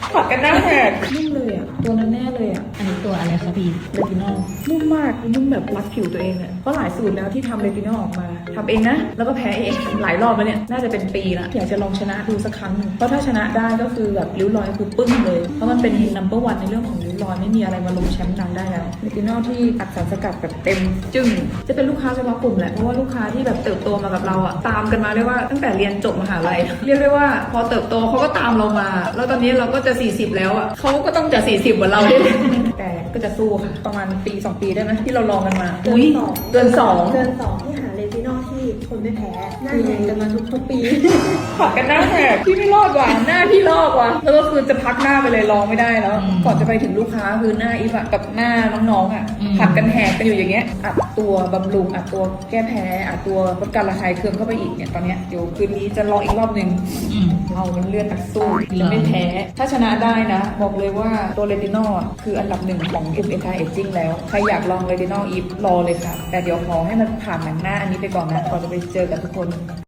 ผัดกันหน้าแหกนุ่มเลยอ่ะตัวนั้นแน่เลยอ่ะอันนี้ตัวอะไรคะพี่เรตินอลนุ่มมากนุ่มแบบรัดผิวตัวเองอ่ะเพราะหลายสูตรแล้วที่ทำเรตินอลออกมาทำเองนะแล้วก็แพ้เองหลายรอบแล้วเนี่ยน่าจะเป็นปีละอยากจะลองชนะดูสักครั้งหนึ่งเพราะถ้าชนะได้ก็คือแบบริ้วรอยคือปึ้งเลยเพราะมันเป็นnumber oneในเรื่องของริ้วรอยไม่มีอะไรมาลงแชมป์นางได้แล้วเรตินอลที่อัดสารสกัดแบบเต็มจึ้งจะเป็นลูกค้าเฉพาะกลุ่มแหละเพราะว่าลูกค้าที่แบบเติบโตมากับเราอ่ะตามกันมาเรียกว่าตั้งแต่เรียนจบมหาลัยเรียกได้ว่าพอเติบโตเขาก็ตามเรามาแล้วตอนนี้เราก็จะ40แล้วอ่ะเขาก็ต้องจะ40เหมือนเราด้วยแต่ก็จะสู้ค่ะประมาณปี2 ปีได้ไหมที่เราลองกันมาอุ้ยเดือนสองที่หาเรตินอลที่คนไม่แพ้หน้าแดงกันมาทุกปีผัดกันหน้าแหกพี่ไม่รอดว่ะหน้าพี่ลอกว่ะแล้วก็คือจะพักหน้าไปเลยลองไม่ได้แล้ว ก่อนจะไปถึงลูกค้าคือหน้าอีฟอะกับหน้าน้องๆอะผัดกันแหกกันอยู่อย่างเงี้ยอัดตัวบำรุงอัดตัวแก้แพ้อัดตัวลดการระคายเคืองเข้าไปอีกเนี่ยตอนเนี้ยเดี๋ยวคืนนี้จะลองอีกรอบนึงเรามันเลือดนักสู้จะไม่แพ้ถ้าชนะได้นะบอกเลยว่าตัวเรตินอลคืออันดับ1ของ Anti Aging แล้วใครอยากลองเรตินอลอีฟรอเลยค่ะแต่เดี๋ยวขอให้มันผ่านหนังหน้าอันนี้ไปก่อนนะก่อนจะไปเจอกับทุกคน